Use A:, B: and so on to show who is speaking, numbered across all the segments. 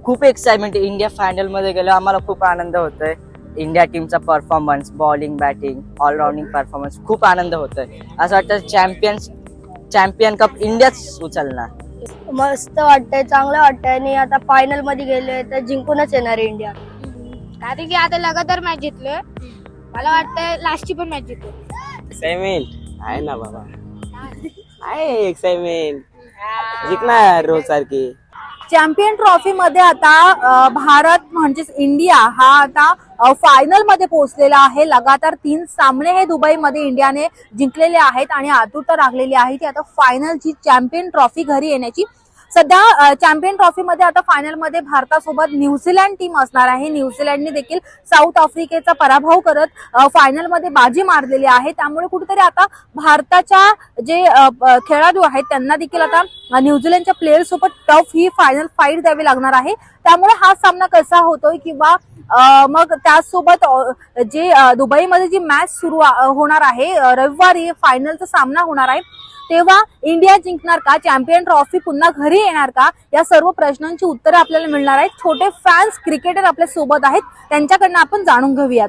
A: खूप एक्साइटमेंट आहे. India final मध्ये गेलो, आम्हाला खूप आनंद होतोय. इंडिया टीमचा performance, bowling, batting, all rounding performance खूप आनंद होतोय. असं वाटतं चॅम्पियन कप इंडियाच उचलणार.
B: मस्त वाटतंय, चांगलं वाटतंय आणि आता फायनल मध्ये गेलोय तर जिंकूनच येणार आहे इंडिया.
C: कारण की आता लगातार मॅच जिंकलोय. मला वाटतं लास्टची पण मॅच जिंकू.
D: एक्साइटमेंट आहे ना बाबा, आहे एक्साइटमेंट, जिंकणार रोज सारखी.
E: चॅम्पियन ट्रॉफी मध्ये आता भारत म्हणजेच इंडिया हा आता फायनल मध्ये पोहोचलेला आहे. लगातार 3 सामने हे दुबईमध्ये इंडियाने जिंकलेले आहेत आणि आतुरता लागलेली आहे की आता फायनलची चॅम्पियन ट्रॉफी घरी येण्याची. सध्या चॅम्पियन ट्रॉफी मध्ये आता फायनल मध्ये भारतासोबत न्यूझीलंड टीम असणार आहे. न्यूझीलंडने देखील साऊथ आफ्रिकेचा पराभव करत फायनल मध्ये बाजी मारलेली आहे. त्यामुळे कुठेतरी आता भारताच्या जे खेळाडू आहेत त्यांना देखील आता न्यूझीलंडच्या प्लेयर सोबत टफ ही फायनल फाईट द्यावी लागणार आहे. त्यामुळे हा सामना कसा होतोय किंवा मग त्याचसोबत जे दुबईमध्ये जी मॅच सुरू होणार आहे, रविवारी फायनलचा सामना होणार आहे, तेव्हा इंडिया जिंकणार का, चॅम्पियन ट्रॉफी पुन्हा घरी येणार का, या सर्व प्रश्नांची उत्तरे आपल्याला मिळणार आहेत. छोटे फॅन्स क्रिकेटर आपल्या सोबत आहेत, त्यांच्याकडनं आपण जाणून घेऊयात.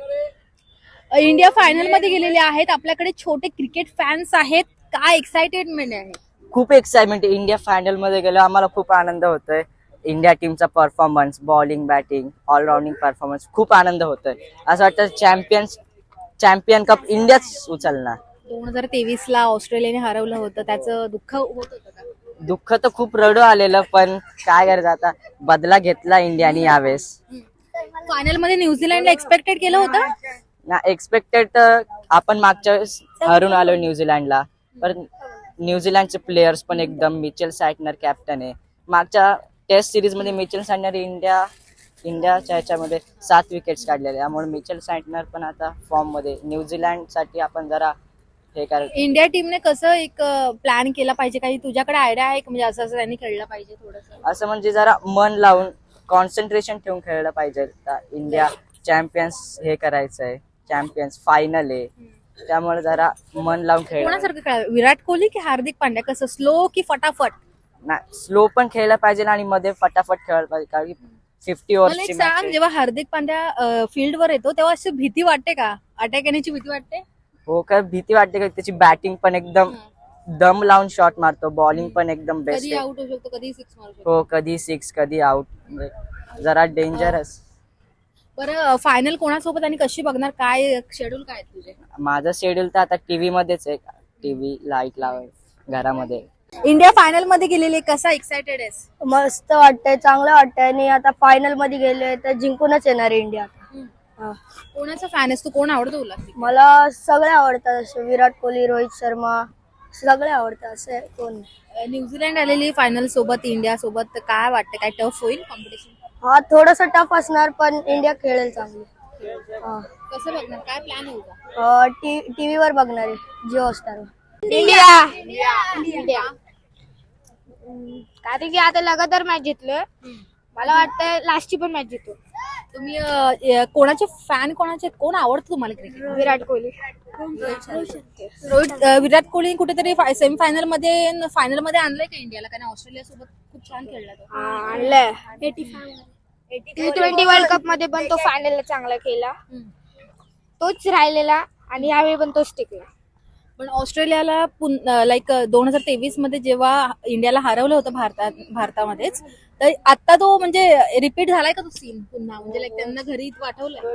E: इंडिया फायनल मध्ये गेलेले आहेत, आपल्याकडे छोटे क्रिकेट फॅन्स आहेत. काय एक्साइटेडमेंट आहे?
A: खूप एक्साइटमेंट आहे. इंडिया फायनल मध्ये गेलो, आम्हाला खूप आनंद होतोय. इंडिया टीमचा performance, bowling, batting, all rounding performance खूप आनंद होतोय. असं वाटतं चॅम्पियन कप इंडियाच उचलणार.
E: 2023 ला ऑस्ट्रेलियाने हरवलं होतं, त्याचं दुःख होत होतं का?
A: दुःख तर खूप रडू आलेलं, पण काय करायचं, आता बदला घेतला इंडियाने यावेळेस.
E: फायनल मध्ये न्यूझीलंडला एक्सपेक्टेड केलं होतं
A: ना, एक्सपेक्टेड तर आपण मागच्या वेळेस हरून आलो न्यूझीलंडला, पण न्यूझीलंडचे प्लेयर्स पण एकदम, मिचेल सॅटनर कॅप्टन आहे. मागच्या टेस्ट सिरीज मध्ये मिचेल सॅटनर इंडियाच्या ह्याच्यामध्ये 7 विकेट्स काढलेले, त्यामुळे मिचेल सॅटनर पण आता फॉर्म मध्ये. न्यूझीलंड साठी आपण जरा हे
E: इंडिया टीमने कसं एक प्लॅन केला पाहिजे, काही तुझ्याकडे आयडिया आहे म्हणजे असं असं त्यांनी खेळलं पाहिजे थोडंसं?
A: असं म्हणजे जरा मन लावून, कॉन्सन्ट्रेशन ठेवून खेळलं पाहिजे. इंडिया चॅम्पियन्स हे करायचंय, चॅम्पियन्स फायनल आहे, त्यामुळे जरा मन लावून खेळ.
E: कोणासारखं खेळावं, विराट कोहली की हार्दिक पांड्या, कसं स्लो की फटाफट?
A: स्लो पण खेळलं पाहिजे आणि मध्ये फटाफट खेळलं पाहिजे, कारण की 50
E: मला एक
A: ओव्हरची
E: सांग, जेव्हा हार्दिक पांड्या फील्ड वर येतो तेव्हा अशी भीती वाटते का, अटॅक येण्याची भीती वाटते?
A: हो का, भीती वाटते का? त्याची बॅटिंग पण एकदम दम लावून शॉट मारतो, बॉलिंग पण एकदम बेस्ट
E: कधी
A: आहे.
E: आउट होऊ शकतो, कधी 6 मारू शकतो.
A: हो, कधी 6 कधी आउट, जरा डेंजरस.
E: बरं, फायनल कोणासोबत आणि कशी बघणार, काय शेड्यूल काय आहे तुझे?
A: माझं शेड्यूल तर आता टीव्ही मध्येच आहे, टीव्ही लाईट लावाय घरामध्ये.
E: इंडिया फायनल मध्ये गेलेली, कसा एक्साइटेड आहेस?
B: मस्त वाटतंय, चांगलं वाटतंय आणि आता फायनल मध्ये गेलोय तर जिंकूनच येणार आहे इंडिया.
E: कोणाचा फॅन आहेस तू, कोण आवडतो तुला?
B: मला सगळे आवडतात, असे विराट कोहली, रोहित शर्मा, सगळे आवडतात. असे कोण
E: न्यूझीलंड आलेली फायनल सोबत इंडिया सोबत, तर काय वाटतं, काय टफ होईल कॉम्पिटिशन?
B: हा, थोडस टफ असणार पण इंडिया खेळेल चांगली.
E: कसं बघणार, काय प्लॅन आहे तुझा?
B: टीव्ही वर बघणार आहे, जिओ हॉटस्टारवर.
C: इंडिया कारण की आता लगातार मॅच जिंकलोय. मला वाटतं लास्टची पण मॅच जिंकू.
E: तुम्ही कोणाचे फॅन, कोणाचे, कोण आवडतं तुम्हाला क्रिकेट?
C: विराट कोहली.
E: विराट कोहली कुठेतरी सेमीफायनल मध्ये, फायनल मध्ये आणलंय का इंडियाला? कारण ऑस्ट्रेलिया सोबत खूप छान खेळला तो.
C: आणलंय. T20 वर्ल्ड कप मध्ये पण तो फायनलला चांगला केला, तोच राहिलेला आणि यावेळी पण तोच टिकला.
E: पण ऑस्ट्रेलियाला लाईक 2023 मध्ये जेव्हा इंडियाला हरवलं होतं भारतामध्येच, तर आता तो म्हणजे रिपीट झालाय का तो सीन पुन्हा, म्हणजे लाईक त्यांना घरी पाठवलंय?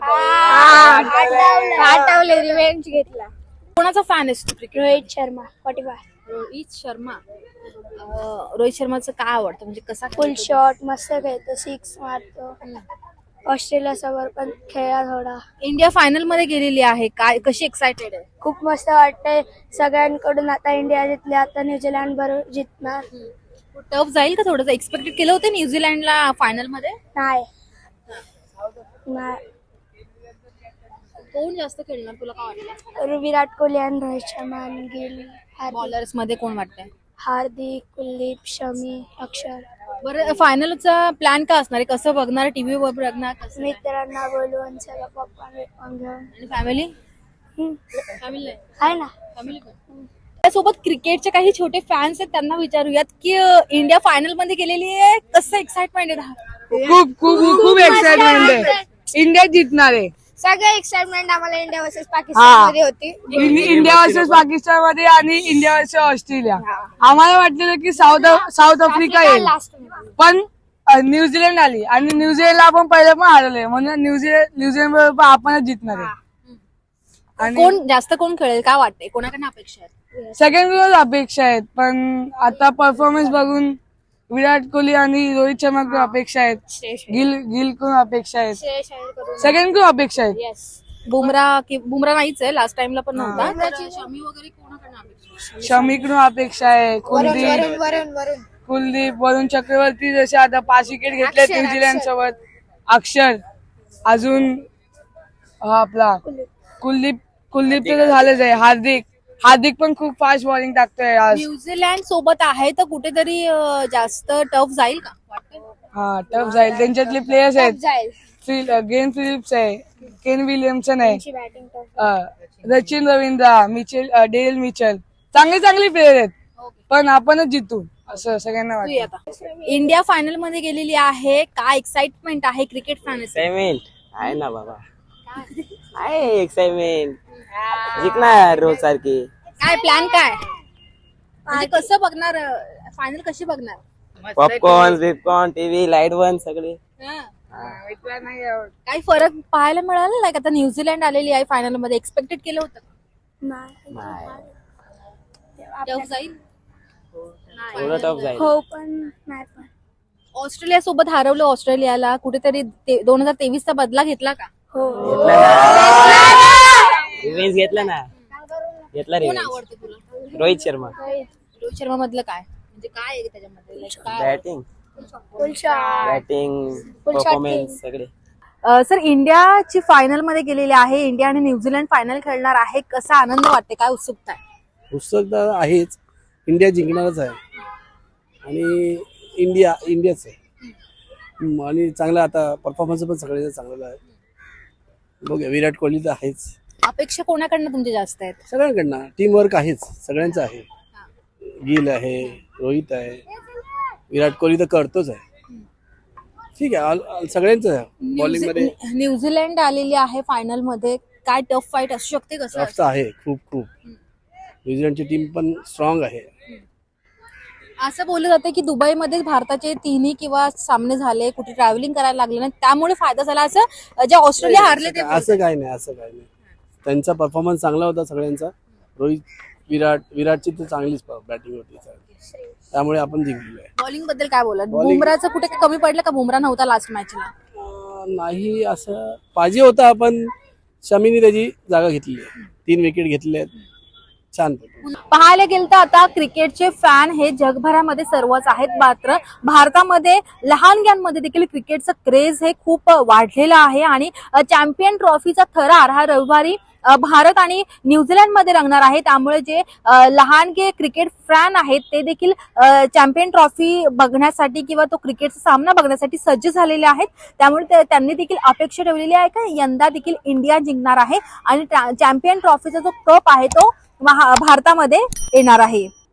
C: आठवले, रिव्हेंज घेतला.
E: कोणाचा फॅन आहेस तू क्रिकेट?
C: रोहित शर्मा 45.
E: रोहित शर्मा. रोहित शर्माचं काय आवडतं, म्हणजे कसा
B: फुल शॉट मस्त खेळतो, 6 मारतो. ऑस्ट्रेलिया सोबत पण खेळा थोडा.
E: इंडिया फायनल मध्ये गेलेली आहे, काय कशी एक्साइटेड आहे?
B: खूप मस्त वाटतंय सगळ्यांकडून. आता इंडिया जिंकली, आता न्यूझीलंड बरोबर जिंकणार.
E: टफ जाईल का थोडंसं? एक्सपेक्टेड केलं होतं न्यूझीलंडला फायनल मध्ये?
B: नाही.
E: कोण जास्त खेळणार तुला काय वाटतं?
B: विराट कोहली आणि रोहित शर्मा आणि गिल.
E: बॉलर्स मध्ये कोण वाटतंय?
B: हार्दिक, कुलदीप, शमी, अक्षर.
E: बरं, फायनलचा प्लॅन काय असणार आहे, कसं बघणार, टीव्ही वर बघणार, कसं?
B: मित्रांना बोलवून सगळं पप्पा घेऊन.
E: आणि फॅमिली फॅमिली
B: आहे ना.
E: फॅमिली पण. त्यासोबत क्रिकेटचे काही छोटे फॅन्स आहेत, त्यांना विचारूयात की इंडिया फायनल मध्ये गेलेली आहे, कसं एक्साइटमेंट आहे?
F: खूप खूप खूप एक्साइटमेंट आहे. इंडिया जिंकणार आहे.
C: सगळं एक्साइटमेंट आम्हाला इंडिया वर्सेस पाकिस्तान मध्ये होती.
F: इंडिया वर्सेस पाकिस्तान मध्ये आणि इंडिया वर्सेस ऑस्ट्रेलिया. आम्हाला वाटलेलं की साऊथ आफ्रिका येईल,
C: लास्ट
F: पण न्यूझीलंड आली आणि न्यूझीलंडला आपण पहिले पण हरवले, म्हणून न्यूझीलंड बरोबर आपणच जिंकणार आहे.
E: कोण खेळेल काय वाटतंय, कोणाकडनं अपेक्षा आहे?
F: सेकंड रोज अपेक्षा आहेत, पण आता परफॉर्मन्स बघून विराट कोहली आणि रोहित शर्मा कडून अपेक्षा आहेत, गिल कडून अपेक्षा आहेत, सेकंड कडून अपेक्षा आहेत.
E: बुमरा नाहीच आहे, लास्ट टाइमला पण नव्हता. शमी वगैरे कोणाकडनं अपेक्षा आहे?
F: शमीकडून अपेक्षा आहे, कुलदीप वरुण चक्रवर्ती जसे आता 5 विकेट घेतले न्यूझीलंड सोबत, अक्षर, अजून आपला कुलदीप तर झालंच आहे, हार्दिक पण खूप फास्ट बॉलिंग टाकतोय आज.
E: न्यूझीलंड सोबत आहे तर कुठेतरी जास्त टफ जाईल का वाटतंय?
F: हा टफ जाईल. त्यांच्यातले प्लेयर्स आहेत,
C: जाईल
F: गेन फिलिप्स आहे, केन विलियमसन आहे,
C: batting
F: Sachin Ravindra, Daryl Mitchell, चांगले प्लेयर आहेत, पण आपणच जितू असं सगळ्यांना
E: तू ये
F: वाटतं.
E: आता. इंडिया फायनल मध्ये गेलेली आहे, काय एक्साइटमेंट आहे क्रिकेट फॅन?
D: एक्साइटमेंट आहे ना बाबा, आहे एक्साइटमेंट. जिंकणार रोज सारखी.
E: काय प्लॅन काय म्हणजे कसं बघणार फायनल, कशी बघणार?
D: पॉपकॉर्न टीव्ही लाईट वन सगळे.
E: काही फरक पाहायला मिळाला नाही का? आता न्यूझीलंड आलेली आहे फायनल मध्ये, एक्सपेक्टेड केलं होतं टफ जाईल?
D: थोडं टफ जाईल.
B: हो पण नाही पण
E: ऑस्ट्रेलिया सोबत हरवलं, ऑस्ट्रेलियाला कुठेतरी 2023 चा बदला घेतला का?
B: हो
D: रिव्हेंज घेतला ना, घेतला
E: कोण
D: रिव्हेंज.
E: आवडतं तुला?
D: रोहित शर्मा.
E: रोहित शर्मा मधलं काय म्हणजे काय आहे त्याच्यामध्ये? Like काय?
D: बॅटिंग परफॉर्मन्स सगळे.
E: सर, इंडियाची फायनल मध्ये गेलेली आहे, इंडिया आणि न्यूझीलंड फायनल खेळणार आहे, कसा आनंद वाटते, काय उत्सुकता आहे?
G: उत्सुकता आहेच, इंडिया जिंकणारच आहे आणि इंडियाच आहे. आणि चांगला आता परफॉर्मन्स पण सगळ्यांचा चांगला आहे. बघूया, विराट कोहली तर आहेच.
E: अपेक्षा कोणाकडनं तुमच्या जास्त आहेत?
G: सगळ्यांकडनं टीमवर्क आहेच, सगळ्यांचं आहे. गिल आहे, रोहित आहे, विराट कोहली तर करतोच आहे. ठीक आहे, सगळ्यांचं आहे बॉलिंग मध्ये.
E: न्यूझीलंड आलेली आहे फायनल मध्ये, काय टफ फाईट असू शकते? कसं
G: टफ तर आहे खूप. न्यूझीलंडची टीम पण स्ट्रॉंग आहे.
E: असं बोललं जातं की दुबईमध्ये भारताचे 3 किंवा सामने झाले, कुठे ट्रॅव्हलिंग करायला लागले नाही, त्यामुळे फायदा झाला, असं जे ऑस्ट्रेलिया हारले ते बोलतात.
G: असं काय नाही. त्यांचा परफॉर्मन्स चांगला होता सगळ्यांचा. विराटची तर चांगलीच बॅटिंग होती, त्यामुळे आपण जिंकलो आहे.
E: बॉलिंग बद्दल काय बोलत? बुमराचं कुठे कमी पडलं का? बुमरा नव्हता लास्ट मॅचला?
G: नाही, असं पाहिजे होता, पण शमीने त्याची जागा घेतली आहे. 3 विकेट घेतले आहेत, छान.
E: पाहायला गेलं तर आता क्रिकेटचे फॅन हे जगभरामध्ये सर्वच आहेत, मात्र भारतामध्ये लहानग्यांमध्ये देखील क्रिकेटचं क्रेज हे खूप वाढलेलं आहे. आणि चॅम्पियन ट्रॉफीचा थरार हा रविवारी भारत आणि न्यूझीलंड मध्ये रंगणार आहे, त्यामुळे जे लहानगे क्रिकेट फॅन आहेत ते देखील चॅम्पियन ट्रॉफी बघण्यासाठी किंवा तो क्रिकेटचा सामना बघण्यासाठी सज्ज झालेले आहेत. त्यामुळे त्यांनी देखील अपेक्षा ठेवलेली आहे की यंदा देखील इंडिया जिंकणार आहे आणि चॅम्पियन ट्रॉफीचा जो कप आहे तो भारतामध्ये येणार आहे.